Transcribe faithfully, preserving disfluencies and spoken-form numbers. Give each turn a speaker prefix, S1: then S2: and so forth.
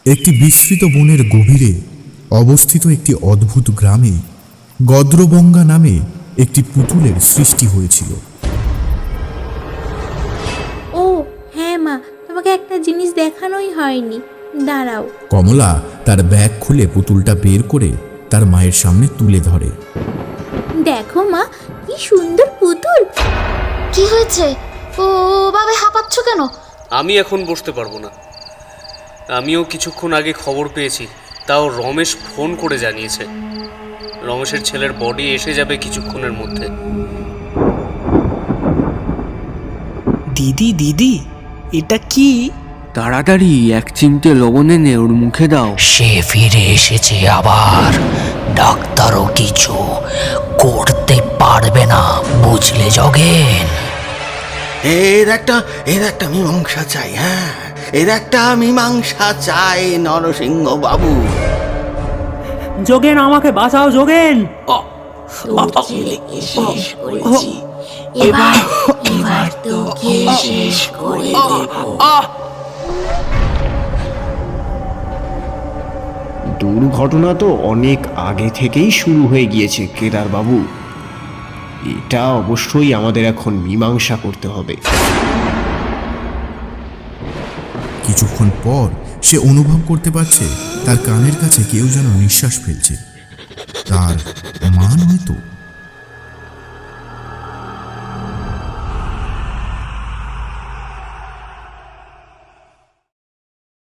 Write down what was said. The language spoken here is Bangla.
S1: একটি বিস্তৃত বনের গভীরে অবস্থিত একটি অদ্ভুত গ্রামে গদ্রবঙ্গা নামে একটি পুতুলের সৃষ্টি হয়েছিল।
S2: ও হ্যাঁ মা, তোমাকে একটা জিনিস দেখানোই হয়নি, দাঁড়াও।
S1: কমলা তার ব্যাগ খুলে পুতুলটা বের করে তার মায়ের সামনে তুলে ধরে।
S2: দেখো মা, কি সুন্দর পুতুল।
S3: কি হয়েছে? ও ভাবে হাঁপাচ্ছ কেন?
S4: আমি এখন বসতে পারবো না। আমিও কিছুক্ষণ আগে খবর পেয়েছি, তাও রমেশ ফোন করে জানিয়েছে রমেশের ছেলের বডি এসে যাবে কিছুক্ষণের মধ্যে।
S5: দিদি দিদি এটা কি?
S6: তাড়াতাড়ি এক চিমটে লবণ এনে ওর মুখে দাও।
S7: সে ফিরে এসেছে আবার। ডাক্তারও কিছু করতে পারবে না, বুঝলে যোগেন?
S8: এর একটা এর একটা মীমাংসা চাই। হ্যাঁ, এর একটা মীমাংসা চাই নরসিংহ বাবু।
S5: যোগেন, আমাকে বাঁচাও যোগেন।
S7: এবার এবার তোকে শেষ করে দেব।
S9: দুর্ঘটনা তো অনেক আগে থেকেই শুরু হয়ে গিয়েছে কেদার বাবু। এটা অবশ্যই আমাদের এখন মীমাংসা করতে হবে।
S1: কিছুক্ষণ পর সে অনুভব করতে পারছে তার কানের কাছে কেউ যেন নিঃশ্বাস ফেলছে। তার মা নয়তো।